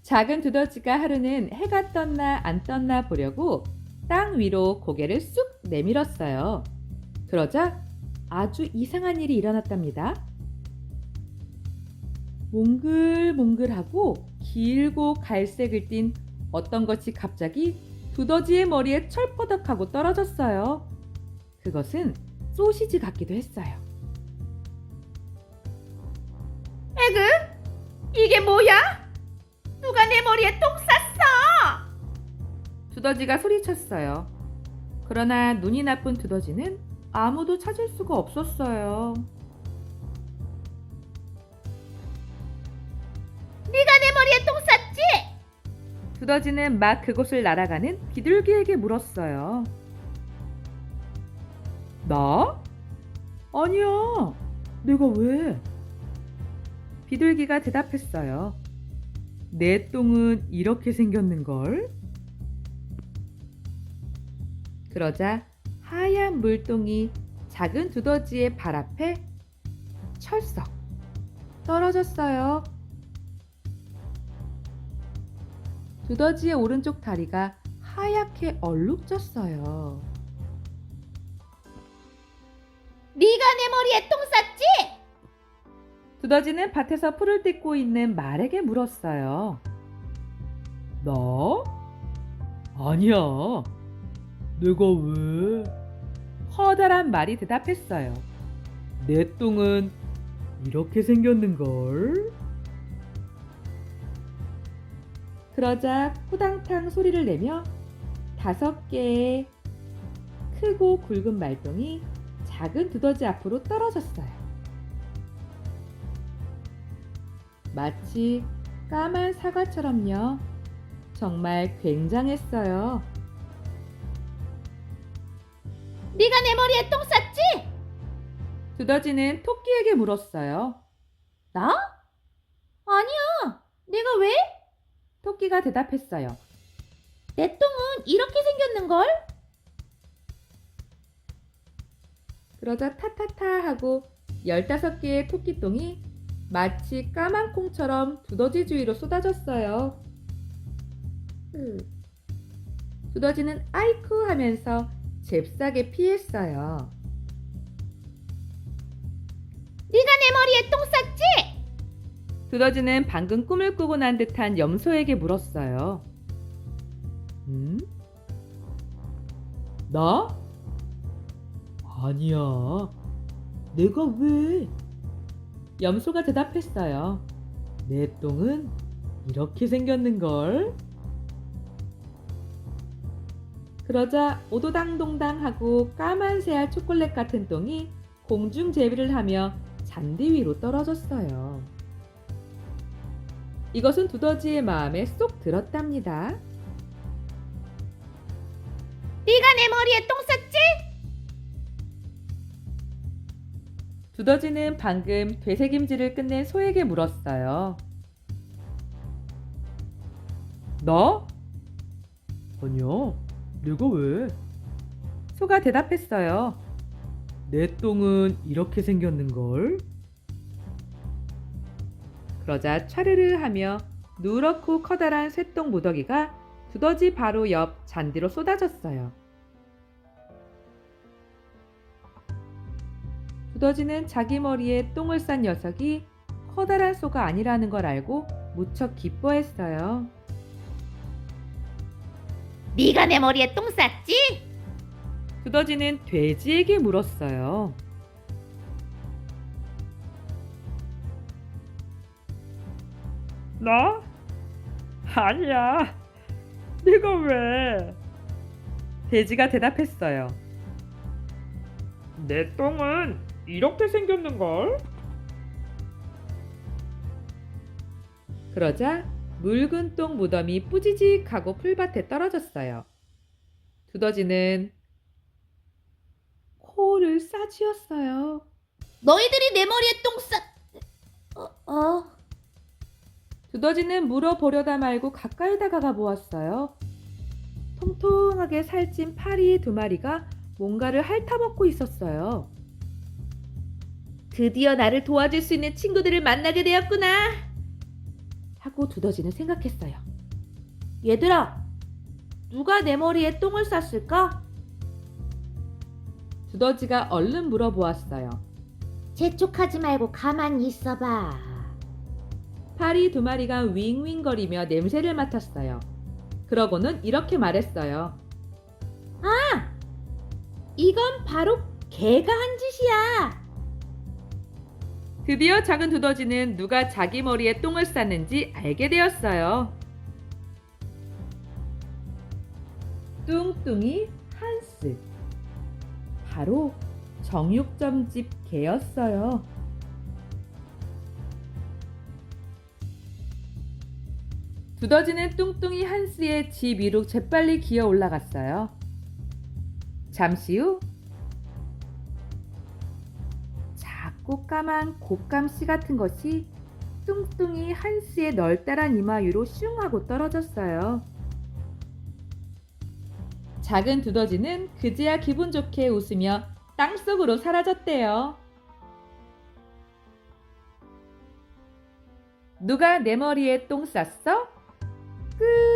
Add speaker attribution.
Speaker 1: 작은 두더지가 하루는 해가 떴나 안 떴나 보려고 땅 위로 고개를 쑥 내밀었어요. 그러자 아주 이상한 일이 일어났답니다. 몽글몽글하고 길고 갈색을 띤 어떤 것이 갑자기 두더지의 머리에 철버덕하고 떨어졌어요. 그것은 소시지 같기도 했어요.
Speaker 2: 에그? 이게 뭐야? 누가 내 머리에 똥 쌌어?
Speaker 1: 두더지가 소리쳤어요. 그러나 눈이 나쁜 두더지는 아무도 찾을 수가 없었어요.
Speaker 2: 네가 내 머리에 똥 쌌지?
Speaker 1: 두더지는 막 그곳을 날아가는 비둘기에게 물었어요. 나? 아니야. 내가 왜? 비둘기가 대답했어요. 내 똥은 이렇게 생겼는걸? 그러자 하얀 물똥이 작은 두더지의 발 앞에 철썩 떨어졌어요. 두더지의 오른쪽 다리가 하얗게 얼룩졌어요.
Speaker 2: 네가 내 머리에 똥 쌌지?
Speaker 1: 두더지는 밭에서 풀을 뜯고 있는 말에게 물었어요. 나? 아니야. 내가 왜? 커다란 말이 대답했어요. 내 똥은 이렇게 생겼는걸? 그러자 후당탕 소리를 내며 5개의 크고 굵은 말똥이 작은 두더지 앞으로 떨어졌어요. 마치 까만 사과처럼요. 정말 굉장했어요.
Speaker 2: 네가 내 머리에 똥 쌌지?
Speaker 1: 두더지는 토끼에게 물었어요.
Speaker 2: 나? 아니야. 내가 왜?
Speaker 1: 토끼가 대답했어요.
Speaker 2: 내 똥은 이렇게 생겼는걸?
Speaker 1: 그러자 타타타 하고 15개의 토끼똥이 마치 까만 콩처럼 두더지 주위로 쏟아졌어요. 두더지는 아이쿠 하면서 잽싸게 피했어요.
Speaker 2: 네가 내 머리에 똥 쌌지?
Speaker 1: 두더지는 방금 꿈을 꾸고 난 듯한 염소에게 물었어요. 나? 아니야. 내가 왜? 염소가 대답했어요. 내 똥은 이렇게 생겼는걸? 그러자 오도당동당하고 까만 새알 초콜릿 같은 똥이 공중제비를 하며 잔디 위로 떨어졌어요. 이것은 두더지의 마음에 쏙 들었답니다.
Speaker 2: 네가 내 머리에 똥 쌌지?
Speaker 1: 두더지는 방금 되새김질을 끝낸 소에게 물었어요. 나? 아니야. 내가 왜? 소가 대답했어요. 내 똥은 이렇게 생겼는걸? 그러자 차르르 하며 누렇고 커다란 쇠똥 무더기가 두더지 바로 옆 잔디로 쏟아졌어요. 두더지는 자기 머리에 똥을 싼 녀석이 커다란 소가 아니라는 걸 알고 무척 기뻐했어요.
Speaker 2: 네가 내 머리에 똥 쌌지?
Speaker 1: 두더지는 돼지에게 물었어요. 나? 아니야. 내가 왜? 돼지가 대답했어요. 내 똥은 이렇게 생겼는걸? 그러자 묽은 똥 무덤이 뿌지직하고 풀밭에 떨어졌어요. 두더지는 코를 싸쥐었어요.
Speaker 2: 너희들이 내 머리에 똥 쌌...
Speaker 1: 두더지는 물어보려다 말고 가까이 다가가 보았어요. 통통하게 살찐 파리 2마리가 뭔가를 핥아먹고 있었어요.
Speaker 2: 드디어 나를 도와줄 수 있는 친구들을 만나게 되었구나.
Speaker 1: 하고 하고 두더지는 생각했어요.
Speaker 2: 얘들아, 누가 내 머리에 똥을 쌌을까?
Speaker 1: 두더지가 얼른 물어보았어요.
Speaker 2: 재촉하지 말고 가만히 있어봐.
Speaker 1: 파리 두 마리가 윙윙거리며 냄새를 맡았어요. 그러고는 이렇게 말했어요.
Speaker 2: 이건 바로 개가 한 짓이야.
Speaker 1: 드디어 작은 두더지는 누가 자기 머리에 똥을 쌌는지 알게 되었어요. 뚱뚱이 한스. 바로 정육점집 개였어요. 두더지는 뚱뚱이 한스의 집 위로 재빨리 기어 올라갔어요. 잠시 후 작고 까만 곶감씨 같은 것이 뚱뚱이 한스의 널따란 이마 위로 슝 하고 떨어졌어요. 작은 두더지는 그제야 기분 좋게 웃으며 땅속으로 사라졌대요. 누가 내 머리에 똥 쌌어? 끝.